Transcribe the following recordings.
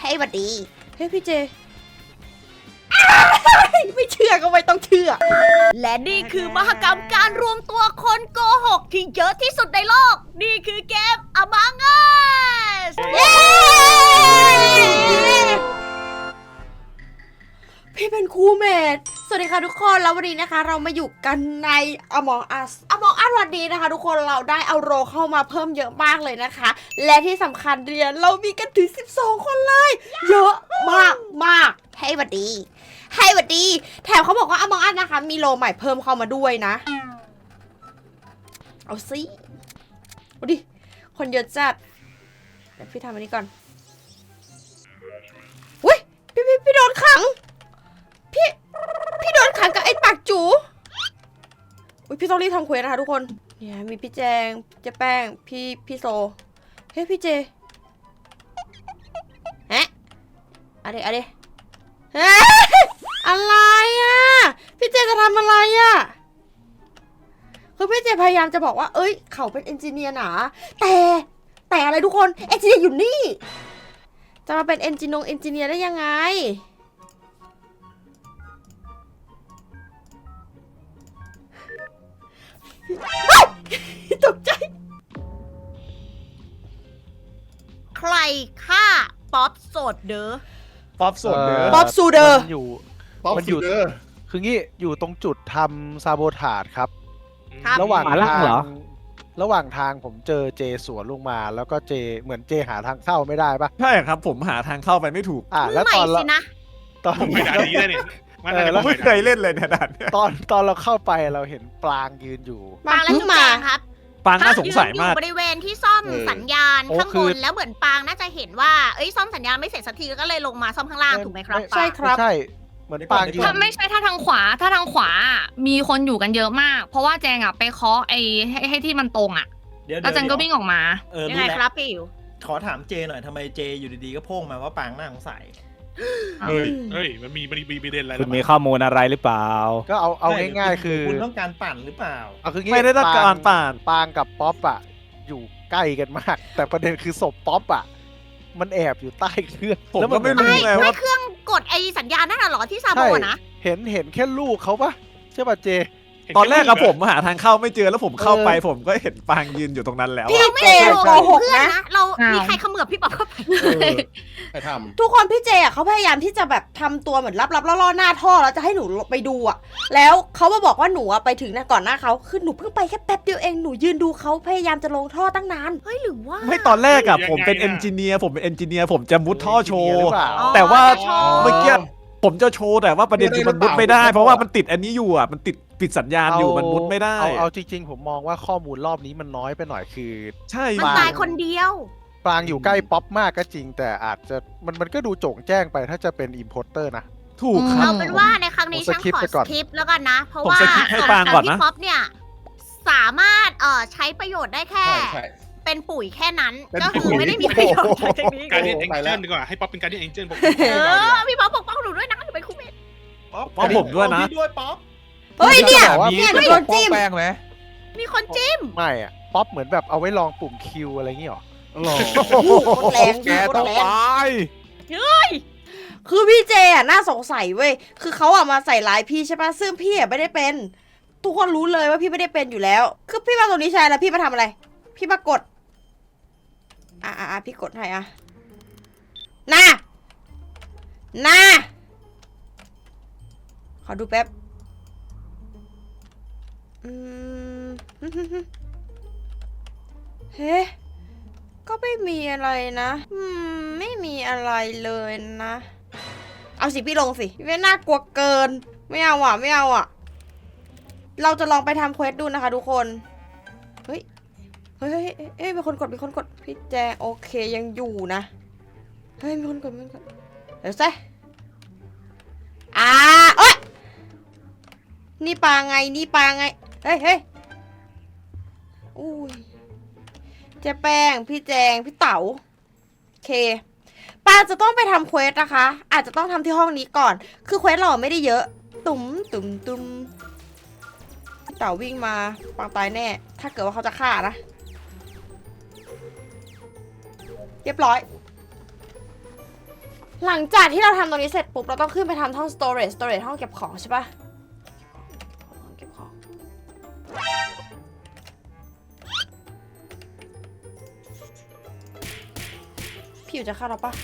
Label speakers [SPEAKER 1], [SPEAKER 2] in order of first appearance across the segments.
[SPEAKER 1] ให้หวัดดีเฮ้ยพี่เจไม่เชื่อก็ไม่ต้องเชื่อและนี่คือมหกรรมการรวมตัวคนโกหกที่เยอะที่สุดในโลกนี่คือเกม Among Us พี่เป็นครูเมทสวัสดีค่ะทุกคนแล้ววันนี้นะคะเรามาอยู่กันใน Among Us วันนี้นะคะทุกคนเราได้เอาโรเข้ามาเพิ่มเยอะมากเลยนะคะและที่สำคัญเรียนเรามีกันถึง12คนเลยเยอะมากให้หวัดดีแถมเขาบอกว่า Among Us นะคะมีโรใหม่เพิ่มเข้ามาด้วยนะเอาสิดูดิคนเยอะจัดเดี๋ยวพี่ทำอันนี้ก่อนอุ้ยพี่โดนขังพี่โดนขังกับไอ้ปากจูอุ้ยพี่ต้องรีบทำเควสนะคะทุกคนเนี่ยมีพี่แจงเจ๊แป้งพี่โซเฮ้ยพี่เจฮะอะไรเฮ้ยอะไรอ่ะพี่เจจะทำอะไรอ่ะคือพี่เจพยายามจะบอกว่าเอ้ยเขาเป็นเอนจิเนียร์หนาแต่อะไรทุกคนเอนจิเนียร์อยู่นี่จะมาเป็นเอนจิเนียร์ได้ยังไงตกใจใครฆ่าป๊อปโสดเด้อ
[SPEAKER 2] ป๊อปสดเด้อ
[SPEAKER 1] ป๊อปซูเดอร์
[SPEAKER 3] มันอยู่
[SPEAKER 2] ป๊อป
[SPEAKER 3] มันอ
[SPEAKER 2] สุ
[SPEAKER 3] ยู่
[SPEAKER 2] ดเด้อ
[SPEAKER 3] คืองี้อยู่ตรงจุดทำซาโบทาดครับ
[SPEAKER 1] ครับ
[SPEAKER 3] ระหว่าง
[SPEAKER 4] หมาล่า
[SPEAKER 3] ทาง
[SPEAKER 4] เหรอ
[SPEAKER 3] ระหว่างทางผมเจอเจสวนลงมา แล้วก็เจเหมือนเจหาทางเข้าไม่ได้ปะ
[SPEAKER 2] ใช่ครับผมหาทางเข้าไปไม่ถูก
[SPEAKER 3] แล้ว
[SPEAKER 1] ใหม่
[SPEAKER 3] ตอนเรา
[SPEAKER 1] สินะ
[SPEAKER 3] ตอน
[SPEAKER 5] ผมไม่ได้ดีเลยเนี่ยมัน
[SPEAKER 3] แล้ว
[SPEAKER 2] ไม่เคยเล่นเลยเนี่ยด่านเนี่ย
[SPEAKER 3] ตอนเราเข้าไปเราเห็นปลางยืนอยู่
[SPEAKER 1] ปางและจุ๊บแจงครับ
[SPEAKER 2] ปางน่าสงสัยมาก
[SPEAKER 1] อยู่บริเวณที่ซ่อม
[SPEAKER 2] เออ
[SPEAKER 1] สัญญาณ
[SPEAKER 3] โอ้
[SPEAKER 1] ข้าง
[SPEAKER 3] คื
[SPEAKER 1] บ
[SPEAKER 3] อ
[SPEAKER 1] นแล้วเหมือนปางน่าจะเห็นว่าเอ้ยซ่อมสัญญาณไม่เสร็จสักทีก็เลยลงมาซ่อมข้างล่างถูกไหมครับ
[SPEAKER 3] ใช่ครับใช่เหมือนปลางยืน
[SPEAKER 4] ถ้าไม่ใช่ถ้าทางขวามีคนอยู่กันเยอะมาก เพราะว่าแจงอ่ะไปเคาะไอ้ให้ที่มันตรงอ่ะ
[SPEAKER 6] เดี๋ยว
[SPEAKER 4] แล้วแจงก็วิ่งออกมา
[SPEAKER 1] ยังไงครับพี่อิ๋ว
[SPEAKER 6] ขอถามเจหน่อยทำไมเจอยู่ดีๆก็โพ่งมาว่าปางน่าสงสัย
[SPEAKER 5] เฮ้ยมันมีประเด็นอะไร
[SPEAKER 4] คุณมีข้อมูลอะไรหรือเปล่า
[SPEAKER 3] ก็เอาง่ายๆคือ
[SPEAKER 6] คุณต้องการปั่นหรือเปล่า
[SPEAKER 3] เอาคืองี้
[SPEAKER 2] ไม่ได้ต้องการป่าน
[SPEAKER 3] ปางกับป๊อปอะอยู่ใกล้กันมาก แต่ประเด็นคือศพป๊อปอะมันแอบอยู่ใต้เครื่อง
[SPEAKER 2] ผม
[SPEAKER 3] แล้ว
[SPEAKER 2] ก็ไม่รู้ ไงว่า
[SPEAKER 1] เครื่องกดไอ้สัญญาณนั่นน่ะเหรอที่ซาโบ
[SPEAKER 3] ใช่
[SPEAKER 1] นะ
[SPEAKER 3] เห็นแค่ลูกเขาปะใช่ป่ะเจ
[SPEAKER 2] ตอนแรกอะผมหาทางเข้าไม่เจอแล้วผมเข้าไปผมก็เห็นปางยืนอยู่ตรงนั้นแล้ว
[SPEAKER 1] พี่
[SPEAKER 2] อะ
[SPEAKER 1] เจโกหกนะเรา
[SPEAKER 4] อ้าว
[SPEAKER 1] มีใครเขมือบพี่ป๊อปเข้าไป
[SPEAKER 2] ใครท
[SPEAKER 1] ทุกคนพี่เจอ่ะเขาพยายามที่จะแบบทำตัวเหมือนลับๆล่อๆหน้าท่อแล้วจะให้หนูไปดูอ่ะแล้วเขามาบอกว่าหนูอ่ะไปถึงนะก่อนหน้าเขาคือหนูเพิ่งไปแค่แป๊บเดียวเองหนูยืนดูเขาพยายามจะลงท่อตั้งนานเฮ้ยหรือว่า
[SPEAKER 2] ไม่ตอนแรกอะผมเป็นเอนจิเนียร์ผมจะมุดท่อโช
[SPEAKER 3] ห
[SPEAKER 2] ว์
[SPEAKER 3] รือเปล่า
[SPEAKER 2] แต่ว่า
[SPEAKER 1] โชว์
[SPEAKER 2] เมื่อกี้ผมจะโชว์แต่ว่าประเด็นคือมันมุดไม่ได้ เพราะว่ามันติดอันนี้อยู่อะมันติดปิดสัญญาณอยู่มันมุดไม่ได้
[SPEAKER 3] เอาจริงๆ ผมมองว่าข้อมูลรอบนี้มันน้อยไปหน่อยคือ
[SPEAKER 2] ใช่
[SPEAKER 1] มันตายคนเดียว
[SPEAKER 3] ปรางอยู่ใกล้ป๊อปมากก็จริง แต่อาจจะมันก็ดูโจ่งแจ้งไปถ้าจะเป็นอิมพอร์เตอร์นะ
[SPEAKER 2] ถูกครับ
[SPEAKER 1] เอาเป็นว่าในครั้งนี้
[SPEAKER 3] ผม
[SPEAKER 1] ฉัน
[SPEAKER 3] สคิป
[SPEAKER 1] ขอ
[SPEAKER 3] ไป
[SPEAKER 1] ส
[SPEAKER 3] ก่อน
[SPEAKER 1] คริปต์แล้วกันนะ เพราะ
[SPEAKER 2] ผม
[SPEAKER 1] ว่า
[SPEAKER 2] สคิปให้ปางก่อนนะ
[SPEAKER 1] พี่ป๊อปเนี่ยสามารถใช้ประโยชน์ได้แค่ เป็นปุ๋ยแค่นั้น ก็คือไม่ได้มีประโยชน์อะไรจากนี้
[SPEAKER 5] การเล่นเอ็นเจนดีกว่าให้ป๊อปเป็นการเล่นเอ็นเจนผม
[SPEAKER 1] พี่ป๊อปปกป้องหนูด้วยนะหนูเป็นครูเมท
[SPEAKER 2] เพราะผมด้วยนะ
[SPEAKER 6] พี่ด้วยป๊อป
[SPEAKER 1] เฮ้ยเนี่ย
[SPEAKER 3] แต่ว่า
[SPEAKER 1] เนี่ยหนูโดนจิ้ม
[SPEAKER 4] แป้งไหม
[SPEAKER 1] มีคนจิ้ม
[SPEAKER 3] ไม่อะป๊อปเหมือนแบบเอาไว้ลองปุ่มคิวอะไรอย่างงี้หรอ
[SPEAKER 1] โคตรแรงโคตรแรง คือพี่เจอ่ะน่าสงสัยเว้ย คือเขาอ่ะมาใส่ร้ายพี่ใช่ปะซึ่งพี่อ่ะไม่ได้เป็น ทุกคนรู้เลยว่าพี่ไม่ได้เป็นอยู่แล้ว คือพี่มาตรงนี้ใช่แล้วพี่มาทำอะไร พี่มากด พี่กดให้อ่ะน่าขอดูแป๊บ เฮ้ ก็ไม่มีอะไรนะ ไม่มีอะไรเลยนะ เอาสิพี่ลงสิไม่น่ากลัวเกิน ไม่เอาอ่ะ เราจะลองไปทำเควสดูนะคะทุกคน เฮ้ยมีคนกดพี่แจงโอเคยังอยู่นะ เฮ้ยมีคนกดเดี๋ยวซิเอ้ยนี่ปลาไง เฮ้ยอุ้ยเจ๊แป้ง พี่แจง พี่เต๋าโอเคปาจะต้องไปทำเควสนะคะ อาจจะต้องทำที่ห้องนี้ก่อน คือเควสเราไม่ได้เยอะ ตุ้มพี่เต๋าวิ่งมาปางตายแน่ ถ้าเกิดว่าเขาจะฆ่านะ เรียบร้อยหลังจากที่เราทำตรงนี้เสร็จปุ๊บเราต้องขึ้นไปทำห้อง storage ห้องเก็บของใช่ปะห้องเก็บของพี่อยู่จะฆ่าเราปะ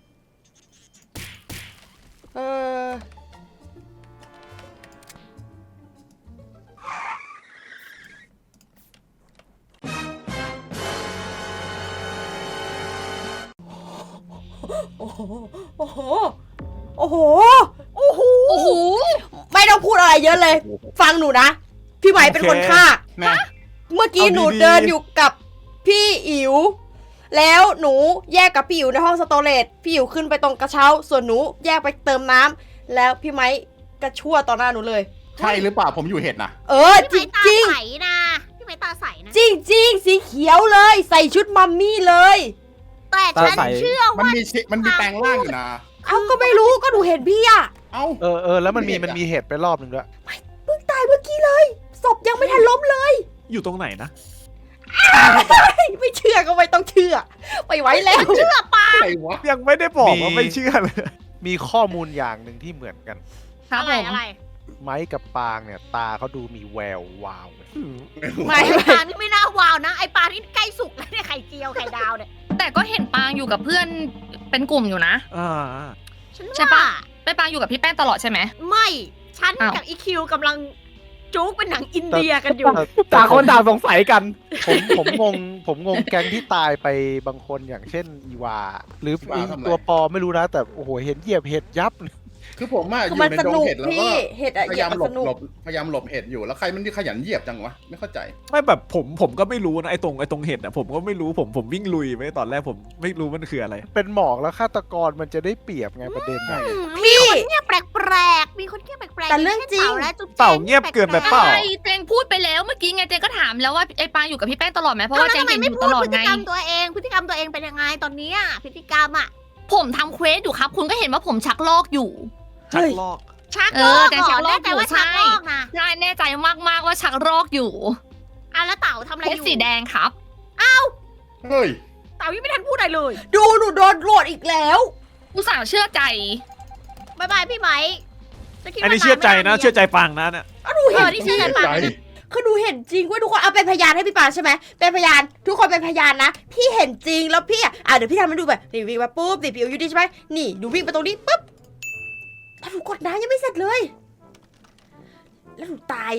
[SPEAKER 1] โอ้โห โอ้โห โอ้โห โอ้โห
[SPEAKER 4] โอ้โห
[SPEAKER 1] ไม่ต้องพูดอะไรเยอะเลย ฟังหนูนะ พี่ไหมเป็นคนฆ่า
[SPEAKER 2] นะ
[SPEAKER 1] เมื่อกี้
[SPEAKER 2] เอาดีๆ
[SPEAKER 1] หนูเดินอยู่กับพี่อิ๋ว แล้วหนูแยกกับพี่อิ๋วในห้องสโตเรจพี่อิ๋วขึ้นไปตรงกระเช้า ส่วนหนูแยกไปเติมน้ำแล้วพี่ไม้กระชั่วต่อหน้าหนูเลย
[SPEAKER 7] ใช่หรือเปล่าผมอยู่เห็ดนะ
[SPEAKER 1] เออจ
[SPEAKER 8] พี่
[SPEAKER 1] ริ
[SPEAKER 8] ไม้
[SPEAKER 1] ง
[SPEAKER 8] ตาใสนะพี่ไม้ตาใสนะ
[SPEAKER 1] จริงจริงๆสีเขียวเลย ใส่ชุดมัมมี่เลย
[SPEAKER 8] แต่ฉันเชื่อ
[SPEAKER 7] มัน
[SPEAKER 8] ว่า
[SPEAKER 7] มีแปลงร่างอยู่นะ
[SPEAKER 1] เอ้าก็ไม่รู้ก็หนูเห็นพี่อะ
[SPEAKER 7] เอ้า
[SPEAKER 3] แล้วมันมีเห็ดไปรอบหนึ่งด้วย
[SPEAKER 1] เพิ่งตายเมื่อกี้เลย ศพยังไม่ทันล้มเลย
[SPEAKER 2] อยู่ตรงไหนนะ
[SPEAKER 1] ไม่เชื่อก็ไม่ต้องเชื่อไปไว้แล้ว
[SPEAKER 8] เชื่อปะ
[SPEAKER 7] อะไรวะ
[SPEAKER 2] ยังไม่ได้บอกว่า
[SPEAKER 3] มี
[SPEAKER 2] ไม่เชื่อเลย
[SPEAKER 3] มีข้อมูลอย่างหนึ่งที่เหมือนกัน
[SPEAKER 4] ครับ
[SPEAKER 8] อะไร
[SPEAKER 4] ผม
[SPEAKER 8] อะไร
[SPEAKER 3] ไม้กับปางเนี่ยตาเขาดูมีแวววาว
[SPEAKER 1] ไม่
[SPEAKER 8] ไอ้ปลานี่ไม่น่าวาวนะไอ้ปลานี่ใกล้สุกแล้วเนี่ยไข่เจียวไข่ดาวเนี่ย
[SPEAKER 4] แต่ก็เห็นปางอยู่กับเพื่อนเป็นกลุ่มอยู่นะ
[SPEAKER 2] อ่า
[SPEAKER 8] ฉัน
[SPEAKER 4] ใช่
[SPEAKER 8] ว่า
[SPEAKER 4] ปะ ไปปางอยู่กับพี่แป้งตลอดใช่ไหม
[SPEAKER 8] ไม่ฉัน
[SPEAKER 4] อ้าว
[SPEAKER 8] กับอีคิวกำลังจุกเป็นหนังอินเดียกันอยู่
[SPEAKER 3] ต่างคนต่างสงสัยกัน ผมงงแก๊งที่ตายไปบางคนอย่างเช่นอีวา หรือไอ้ตัวปอไม่รู้นะ แต่โอ้โหเห็นเหยียบเห็ดยับ
[SPEAKER 7] คือผมอะอ
[SPEAKER 1] คือยู่ มัน
[SPEAKER 7] ใน
[SPEAKER 1] ส
[SPEAKER 7] ดง
[SPEAKER 1] นุก
[SPEAKER 7] เห็ดแล้วก็
[SPEAKER 1] พี่เห็ดอะ
[SPEAKER 7] พ
[SPEAKER 1] เหยี
[SPEAKER 7] ยาย ยาม
[SPEAKER 1] บมัน
[SPEAKER 7] หล
[SPEAKER 1] ส
[SPEAKER 7] บ
[SPEAKER 1] นุก
[SPEAKER 7] พยายามหลบเห็ดอยู่แล้วใครมันที่ขยันเหยียบจังวะไม่เข้าใจ
[SPEAKER 2] ไม่แบบผมก็ไม่รู้นะไอ้ตรงเห็ดอ่ะผมก็ไม่รู้ผมวิ่งลุยไปตอนแรกผมไม่รู้มันคืออะไร
[SPEAKER 3] เป็นหมอกแล้วฆาตกรมันจะได้เปรียบไงประเด็นน่ะ
[SPEAKER 8] มีคนเงียบแปลกๆมีคนเงียบแปลกๆ
[SPEAKER 1] แต่เรื่องจริง
[SPEAKER 8] ย่าช่นและจุ๊บแจ
[SPEAKER 2] เต่าเงียบเกินไปเปล่า
[SPEAKER 4] ใช่เจงพูดไปแล้วเมื่อกี้ไงเจงก็ถามแล้วว่าไอ้ปางอยู่กับพี่แป้งตลอดไหมเพราะ
[SPEAKER 8] แล้ว
[SPEAKER 4] ว่าเจง
[SPEAKER 8] ทำไม
[SPEAKER 4] เห็นอ
[SPEAKER 8] ไม่
[SPEAKER 4] ยู่
[SPEAKER 8] พู
[SPEAKER 4] ต
[SPEAKER 8] ด
[SPEAKER 4] ลอด
[SPEAKER 8] พฤ
[SPEAKER 4] ไง
[SPEAKER 8] ติกรรมตัวเองพฤติกรรมตัวเองเป็นยังไงตอนเนี้ยพฤติกรรมอะ
[SPEAKER 4] ผมทำเควสอยู่ครับ คุณก็เห็นว่าผมชักลอกอยู่
[SPEAKER 2] ชักลอก
[SPEAKER 8] ชัก
[SPEAKER 4] เอ
[SPEAKER 8] ล
[SPEAKER 4] อ
[SPEAKER 8] อก
[SPEAKER 4] แต่
[SPEAKER 8] เหร
[SPEAKER 4] ชั
[SPEAKER 8] อก
[SPEAKER 4] ลอก
[SPEAKER 8] แน่ใจว่า
[SPEAKER 4] อยู่
[SPEAKER 8] ชัก
[SPEAKER 4] ใช่
[SPEAKER 8] ลอกนะ
[SPEAKER 4] ใช่แน่ใจมากๆว่าชักลอกอยู่
[SPEAKER 8] อ่ะแล้วเต่าทำอะไร
[SPEAKER 4] เคว
[SPEAKER 8] อ
[SPEAKER 4] ส
[SPEAKER 8] ยู่
[SPEAKER 4] สีแดงครับ
[SPEAKER 7] เฮ้ย
[SPEAKER 8] เต่ายังไม่ทันพูดอะไรเลย
[SPEAKER 1] ดูหนูโดนโหวตอีกแล้ว
[SPEAKER 4] อุตส่าห์เชื่อใจ
[SPEAKER 8] บายบายพี่ไหมจะคิด
[SPEAKER 2] อัน
[SPEAKER 8] ว่า
[SPEAKER 2] นี้เชื่อใจนะ
[SPEAKER 8] า
[SPEAKER 2] เชื่อใจปังนะเนี่ย
[SPEAKER 1] หนู
[SPEAKER 8] เอ
[SPEAKER 1] เห็น
[SPEAKER 8] อที่เชื่อใจปากนะ
[SPEAKER 1] คือหนูเห็นจริงเว้ยทุกคนเอาเป็นพยานให้พี่ปานใช่ไหมเป็นพยานทุกคนเป็นพยานนะพี่เห็นจริงแล้วพี่เดี๋ยวพี่ทำให้ดูแบบนี่วิ่งมาปุ๊บนี่พี่อยู่ดีใช่ไหมนี่หนูวิ่งไปตรงนี้ปุ๊บถ้าหนูกดน้ำยังไม่เสร็จเลย แล้วหนูตาย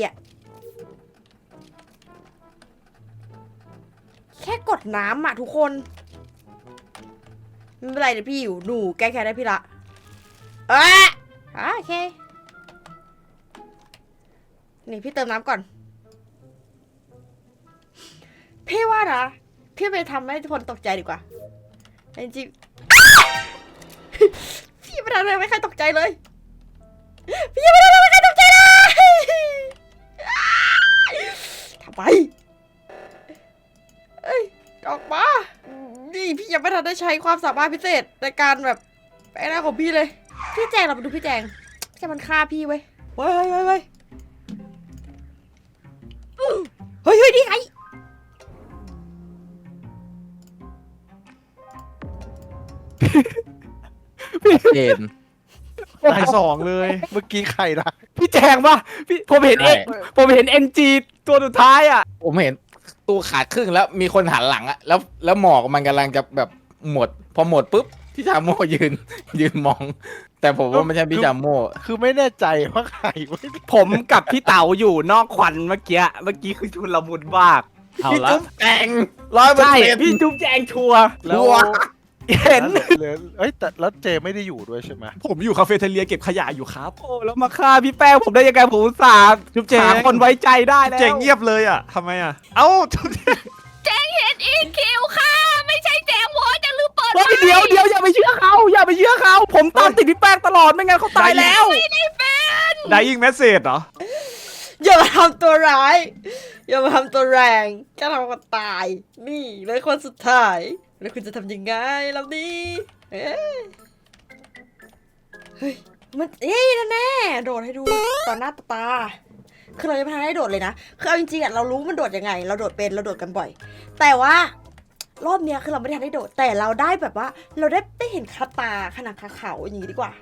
[SPEAKER 1] แค่กดน้ำทุกคนไม่เป็นไรเดี๋ยวพี่อยู่หนูแก้แค้นได้พี่ละโอเคนี่พี่เติมน้ำก่อนพี่ว่านะพี่ไปทำให้ทุกคนตกใจดีกว่าจริงๆ พี่ไม่ทำอะไรไม่ใครตกใจเลยพี่ไม่ทำอะไรไม่ใครตกใจเลยทำไมเอ้ยออกมานี่พี่ยังไม่ทันได้ใช้ความสามารถพิเศษในการแบบไอ้หน้าของพี่เลยพี่แจงเราไปดูพี่แจงมันฆ่าพี่เว้ยเฮ้ยเฮ้ยนี่ไง
[SPEAKER 9] เจน
[SPEAKER 2] ตายสองเลย
[SPEAKER 3] เมื่อกี้ใครนะ
[SPEAKER 9] พี่แจงป่ะพี่ผมเห็นผมเห็น NG ตัวสุดท้ายอ่ะ ผมเห็นตัวขาดครึ่งแล้วมีคนหันหลังอ่ะแล้วหมอกมันกำลังจะแบบหมด พอหมดปุ๊บพี่ชาโม่ยืนมอง แต่ผมว่าไม่ใช่พี่ชาโม่
[SPEAKER 3] คือไม่แน่ใจว่าใครเว้ย
[SPEAKER 9] ผมกับพี่เต๋าอยู่นอกควันเมื่อกี้คือชุนละมุนมากพี่จุ๊บแจง100%ใช่พี่จุ๊บแจงชัวร์
[SPEAKER 3] แล้ว
[SPEAKER 9] เห็น
[SPEAKER 3] เอ้ยแต่แล้วเจไม่ได้อยู่ด้วยใช่ไหม
[SPEAKER 2] ผมอยู่คาเฟ่เทเลียเก็บขยะอยู่ครับ
[SPEAKER 9] โอ้แล้วมาฆ่าพี่แป้งผมได้ยังไงผมอุตส่าห์
[SPEAKER 2] จุ๊บแจง
[SPEAKER 9] หาคนไว้ใจได้แล้ว
[SPEAKER 2] เจ๋งเงียบเลยอ่ะทำไมอ่ะเอ้าจุ๊บแจง
[SPEAKER 4] แจงเห็นอีคิวค่ะ ไม่ใช่แจงวอจะลืมเปิด
[SPEAKER 9] เฮ้ยเดี๋ยวอย่าไปเชื่อเขาผมตามติดพี่แป้งตลอดไม่งั้นเขาตายแล้ว
[SPEAKER 2] dying message เหรอ
[SPEAKER 1] อย่ามาทำตัวร้ายอย่ามาทำตัวแรงแค่ทำคนตายนี่เลยคนสุดท้ายแล้วคุณจะทำยังไงล่ะนี่เฮ้ยมันแน่ๆโดดให้ดูต่อหน้าต่อตาคือเราจะไม่ทันได้โดดเลยนะคือเอาจริงๆเรารู้มันโดดยังไงเราโดดเป็นเราโดดกันบ่อยแต่ว่ารอบเนี้ยคือเราไม่ได้ทันได้โดดแต่เราได้แบบว่าเราได้เห็นคาตาขนาดคาเขาอย่างนี้ดีกว่า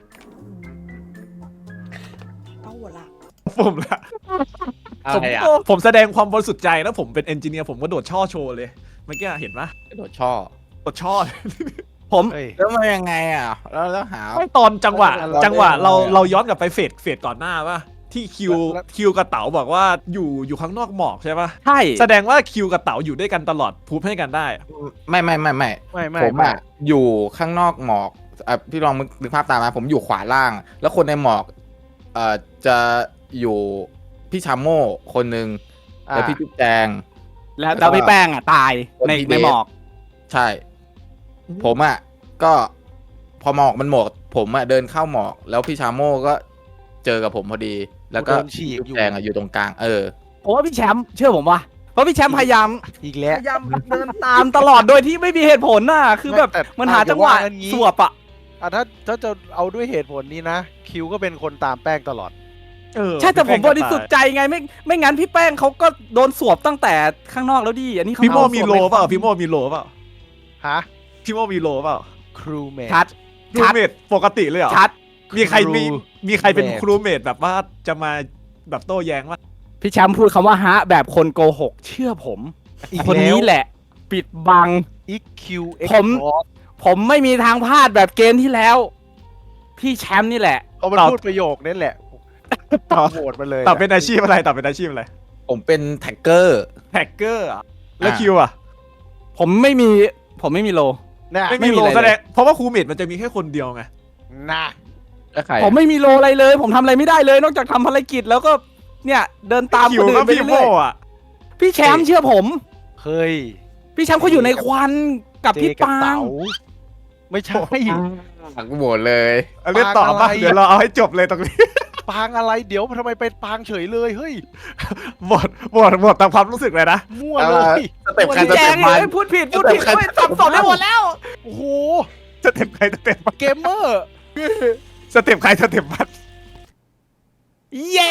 [SPEAKER 1] ต้องหัวละ
[SPEAKER 2] ผมละ
[SPEAKER 9] อะไรอ่ะ
[SPEAKER 2] ผมแสดงความบริสุทธิ์ใจแล้วผมเป็นเอนจิเนียร์ผมก็โดดช่อโชว์เลยเมื่อกี้เห็นปะ
[SPEAKER 9] โดดช่อ
[SPEAKER 2] โดดช่อ
[SPEAKER 9] ผม
[SPEAKER 3] เฮ้ย
[SPEAKER 9] แล้วมันยังไงอ่ะแล้วหา
[SPEAKER 2] ไม่ตอนจังหวะ
[SPEAKER 3] เราได้
[SPEAKER 2] จังหวะ
[SPEAKER 3] อะไร
[SPEAKER 2] เราย้อนกลับไปเฟสก่อนหน้าป่ะที่คิวกับเต๋าบอกว่าอยู่ข้างนอกหมอกใช่ป่ะ
[SPEAKER 10] ใช่
[SPEAKER 2] แสดงว่าคิวกับเต๋าอยู่ด้วยกันตลอดพูดให้กันได้
[SPEAKER 9] ไม่
[SPEAKER 3] ไม่
[SPEAKER 9] ผมอ่ะอยู่ข้างนอกหมอกพี่ลองนึกภาพตามนะผมอยู่ขวาล่าง แล้วคนในหมอกจะอยู่พี่ชาโม่คนหนึ่งแล้วพี่จุ๊บแจง
[SPEAKER 10] แล้วพี่แป้งอ่ะตายในหมอก
[SPEAKER 9] ใช่ ผมอ่ะก็พอหมอกมันหมดผมอ่ะเดินเข้าหมอก แล้วพี่ชาโม่ก็เจอกับผมพอดี แล้วก็
[SPEAKER 3] โดนฉีก
[SPEAKER 9] จุ๊บแจงอ่ะอยู่ตรงกลาง
[SPEAKER 10] ผมว่าพี่แชมป์เชื่อผมว่ะเพราะพี่แชมป์พยายาม
[SPEAKER 3] อีกแล้ว
[SPEAKER 10] เดินตามตลอดโดยที่ไม่มีเหตุผลน่ะคือแบบ
[SPEAKER 3] แต่
[SPEAKER 10] มันหาจังหวะ
[SPEAKER 3] อย่าว่ากันงี้
[SPEAKER 10] สวบอ่ะ
[SPEAKER 3] ถ้าจะเอาด้วยเหตุผลนี้นะ คิวก็เป็นคนตามแป้งตลอด
[SPEAKER 10] ใช่แต่ผมบริสุทธิ์ใจไงไม่งั้นพี่แป้งเขาก็โดนสวบตั้งแต่ข้างนอกแล้วดิอันนี้เขา
[SPEAKER 2] พี่โมมีโล
[SPEAKER 10] สวบใน
[SPEAKER 2] เปล่าพี่โมมีโลเปล่า
[SPEAKER 3] ฮะ
[SPEAKER 2] พี่โมมีโลเปล่า
[SPEAKER 3] ครูเมท
[SPEAKER 10] ชัด
[SPEAKER 2] ครูเมทปกติเลยเหรอ
[SPEAKER 10] ชัด
[SPEAKER 2] มีใคร
[SPEAKER 3] ครู
[SPEAKER 2] มีใครเป็น
[SPEAKER 3] เมท
[SPEAKER 2] ครูเมทแบบว่าจะมาแบบโต้แย้งว่า
[SPEAKER 10] พี่แชมป์พูดคำว่าฮะแบบคนโกหกเชื่อผม
[SPEAKER 3] อีก
[SPEAKER 10] คน
[SPEAKER 3] แล้ว
[SPEAKER 10] นี้แหละ ปิดบัง
[SPEAKER 3] อีกคิวเอ็ก
[SPEAKER 10] ผม ผมไม่มีทางพลาดแบบเกมที่แล้ว พี่แชมป์นี่แหละ
[SPEAKER 3] เอามัน
[SPEAKER 2] ตอบ
[SPEAKER 3] พูดประโยคนั่นแหละ
[SPEAKER 2] ตอบ
[SPEAKER 3] โหวตมาเลย
[SPEAKER 2] ตอบเป็นอาชีพอะไรตอบเป็นอาชีพอะไร
[SPEAKER 9] ผมเป็นแท็กเกอร์
[SPEAKER 2] แฮกเกอร์อะแล้วคิวอะ
[SPEAKER 10] ผมไม่มีโล
[SPEAKER 3] นะ
[SPEAKER 2] ไม่
[SPEAKER 10] ไม่
[SPEAKER 2] มี
[SPEAKER 10] มี
[SPEAKER 2] โล
[SPEAKER 10] อะไรเลย
[SPEAKER 2] แสดงเพราะว่าครูเมทมันจะมีแค่คนเดียวไง
[SPEAKER 3] นะ
[SPEAKER 9] แล้วใคร
[SPEAKER 10] ผมไม่มีโลอะไรเลย ผมทำอะไรไม่ได้เลย นอกจากทำภารกิจแล้วก็เนี่ยเดินตาม
[SPEAKER 2] คิ
[SPEAKER 10] คน
[SPEAKER 2] ว
[SPEAKER 10] อื่
[SPEAKER 2] ก็
[SPEAKER 10] นไป
[SPEAKER 2] พี่โม
[SPEAKER 10] เรื่อย
[SPEAKER 2] อะ
[SPEAKER 10] ๆพี่แชมป์เชื่อผม
[SPEAKER 3] เฮ้ย
[SPEAKER 10] พี่แชมป์เขาอยู่ในควันกับ
[SPEAKER 3] เจ
[SPEAKER 10] พี่
[SPEAKER 3] กับ
[SPEAKER 10] ปา
[SPEAKER 3] เต๋าง ไม่ใช่
[SPEAKER 9] กูโหวตเลย
[SPEAKER 2] เอาเล่นต่อ
[SPEAKER 3] ปา
[SPEAKER 2] ป่ะ
[SPEAKER 3] งอะไร
[SPEAKER 2] เดี๋ยวเราเอาให้จบเลยตรงนี้
[SPEAKER 3] ปางอะไรเดี๋ยวทำไมเป็นปางเฉยเลยเฮ้ย
[SPEAKER 2] หมดตามความรู้สึกเลยนะ
[SPEAKER 3] มั่วเลย
[SPEAKER 9] สเต็ปใคร
[SPEAKER 10] พี่
[SPEAKER 9] ส
[SPEAKER 10] แจ
[SPEAKER 9] เต็
[SPEAKER 10] ง
[SPEAKER 9] ปมัน
[SPEAKER 10] เลยพูดผิดเฮ้ยสับสนได้หมดแล้ว
[SPEAKER 3] โอ้โห
[SPEAKER 2] สเต็ปใครสเต็ปมัน
[SPEAKER 3] เกมเมอร์
[SPEAKER 2] สเต็ปใครสเต็ปมัน
[SPEAKER 10] เย้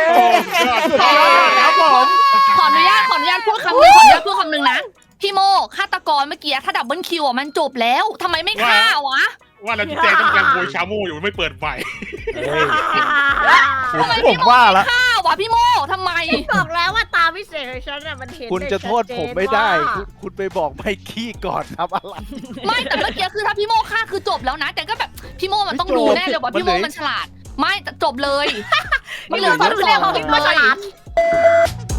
[SPEAKER 2] ครับผม
[SPEAKER 4] ขออนุญาตพูดคำหนึ่งนะพี่โมฆาตกรเมื่อกี้ถ้าดับเบิลคิวอ่ะมันจบแล้วทำไมไม่ฆ่าวะ
[SPEAKER 5] ว่าแล้วจุ๊บแจงต้องการโวยชาโม่อยู่ไม่เปิดไฟ
[SPEAKER 4] ทำไม
[SPEAKER 2] ผ
[SPEAKER 4] พี่
[SPEAKER 2] ม
[SPEAKER 4] โม
[SPEAKER 2] ว่าละ
[SPEAKER 4] ฆ่าวะพี่โมทำไม
[SPEAKER 8] บอกแล้วว่าตาพิเศษของฉันน่ะมันเห็น
[SPEAKER 3] คุณ
[SPEAKER 8] ได้
[SPEAKER 3] จะโทษ
[SPEAKER 8] ชัเจน
[SPEAKER 3] ผมไม่ได้
[SPEAKER 8] ว่า
[SPEAKER 3] คุณไปบอกไมกี้ก่อนครับอะไร
[SPEAKER 4] ไม่แต่เมื่อกี้คือถ้าพี่โมฆ่าคือจบแล้วนะ แต่ก็แบบพี่โมมันต้อง
[SPEAKER 3] ไม่จบ
[SPEAKER 4] รู้แน่เลยว่าพี่โม
[SPEAKER 3] มันเหลือ
[SPEAKER 4] มันฉลาด ไม่แต่จบเลย
[SPEAKER 3] มัน
[SPEAKER 4] เหลือ
[SPEAKER 3] เหลือ
[SPEAKER 4] สอง
[SPEAKER 8] เรียกว่าพี่โมฉลาด
[SPEAKER 4] เลย